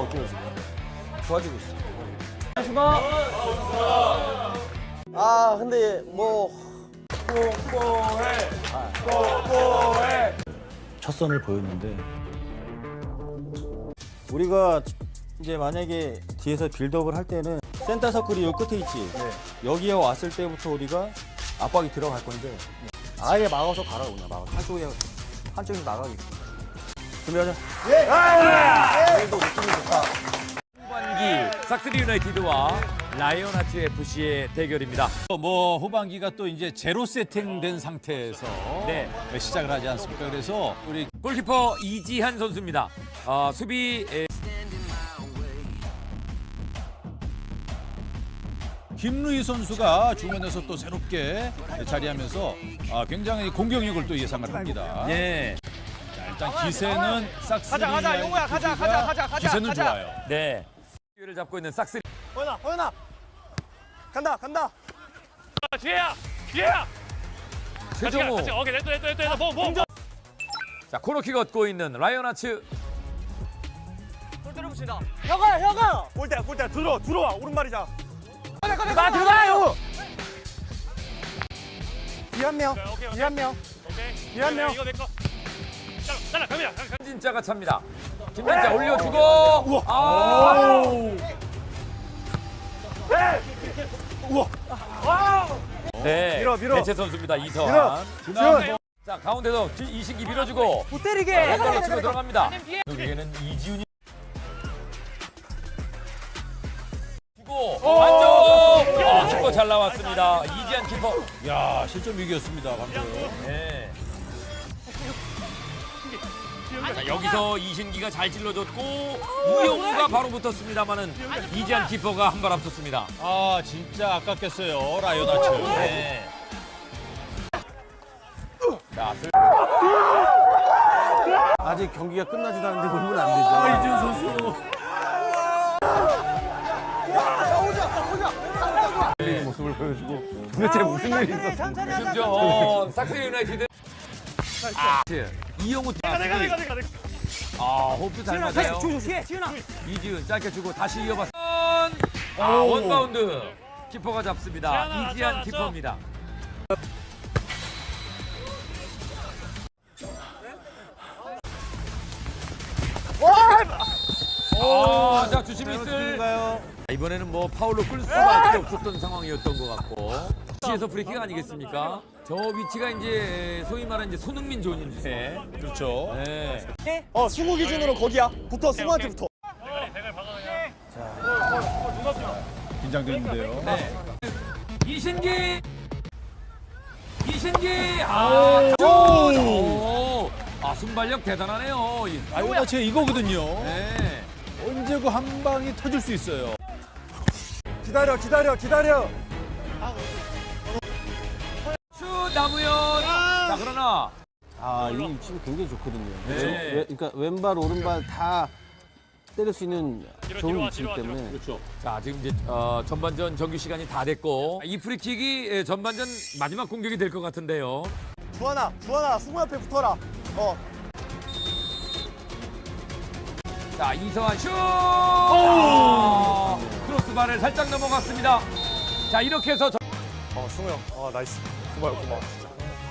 어때요 지금? 좋아지고 있어. 아 근데 뭐 첫 선을 보였는데 우리가 이제 만약에 뒤에서 빌드업을 할 때는 센터 서클이 요 끝에 있지. 여기에 왔을 때부터 우리가 압박이 들어갈 건데 아예 막아서 가라 그냥 막아서 한쪽에서 나가겠지. 준비하자. 후반기 삭스리 유나이티드와 라이온 아츠 FC의 대결입니다. 뭐 후반기가 또 이제 제로 세팅된 상태에서 네. 시작을 하지 않습니까? 그래서 우리 골키퍼 이지한 선수입니다. 수비 김루희 선수가 중원에서 또 새롭게 자리하면서 굉장히 공격력을 또 예상을 합니다. 예. 자, 일단 기세는 삭스리 가자, 용호야, 가자. 기세는 좋아요. 네. 기회를 잡고 있는 삭스리. 호연아 간다. 뒤에야. 최정호. 오케이, 됐다. 뭐. 자, 코너킥 얻고 있는 라이온 아츠. 혁아 골대 들어와 오른발이자. 나 들어가요. 뒤에 한 명. 오케이. 뒤에 한 명. 이거 내 거. 잘라, 갑니다. 김진짜가 찹니다. 김진짜 올려주고. 네. 밀어. 대체 선수입니다. 이서환. 지훈. 자, 가운데서 이신기 밀어주고. 못 때리게. 왼발로 치고 들어갑니다. 여기에는 이지훈이. 주고 안쪽. 키퍼 잘 나왔습니다. 이지한 키퍼. 야, 실점 위기였습니다, 방금. 네. 자, 여기서 이신기가 잘 찔러줬고 우영우가 바로 붙었습니다만은 이지한 키퍼가 한 발 앞섰습니다. 아, 진짜 아깝겠어요, 라이온 아츠. 네. 자, 아직 경기가 끝나지도 않는데 울면 안 되죠. 이지훈 선수. 모습을 보여주고 도대체 무슨 일이 있었어? 지금 저 삭스리 유나이티드. 이영우 내가. 호흡도 잘 맞아요. 이지훈 짧게 주고 다시 이어봤어. 원바운드. 키퍼가 잡습니다. 지훈아, 이지한 왔어. 키퍼입니다. 자, 주심 있을. 이번에는 뭐 파울로 끌 수밖에 없었던 상황이었던 것 같고. 위치에서 프리킥 아니겠습니까? 저 위치가 이제 소위 말하는 이제 손흥민 존인데. 그렇죠. 네. 승우 기준으로 거기야. 붙어 승우한테 붙어. 긴장되는데요. 네. 이신기. 순발력 대단하네요. 라이온 아츠 이거거든요. 네. 언제고 한 방이 터질 수 있어요. 기다려. 슛 남우현. 자, 그러나 이 위치가 굉장히 좋거든요. 네. 그러니까 왼발 오른발 다 때릴 수 있는 좋은 뒤로 위치이기 와, 때문에 그렇죠. 자, 지금 이제 전반전 정규 시간이 다 됐고 이 프리킥이 전반전 마지막 공격이 될 것 같은데요. 주환아 승우 앞에 붙어라. 자, 이서환 슛! 크로스바를 살짝 넘어갔습니다. 자, 이렇게 해서 승우 형. 나이스. 고마워 진짜.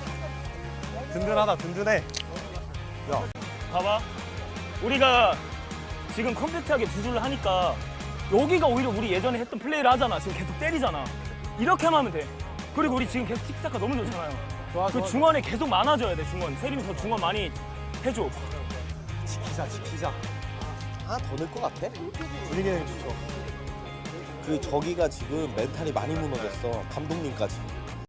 든든해. 봐봐. 우리가 지금 컴팩트하게 두 줄을 하니까 여기가 오히려 우리 예전에 했던 플레이를 하잖아. 지금 계속 때리잖아. 이렇게만 하면 돼. 그리고 우리 지금 계속 틱타카 너무 좋잖아요. 그 중원에 계속 많아져야 돼. 중원. 세림이 더 중원 많이 해줘. 지키자. 하나 더 넣을 것 같아? 분위기는 좋죠. 그 저기가 지금 멘탈이 많이 무너졌어. 감독님까지.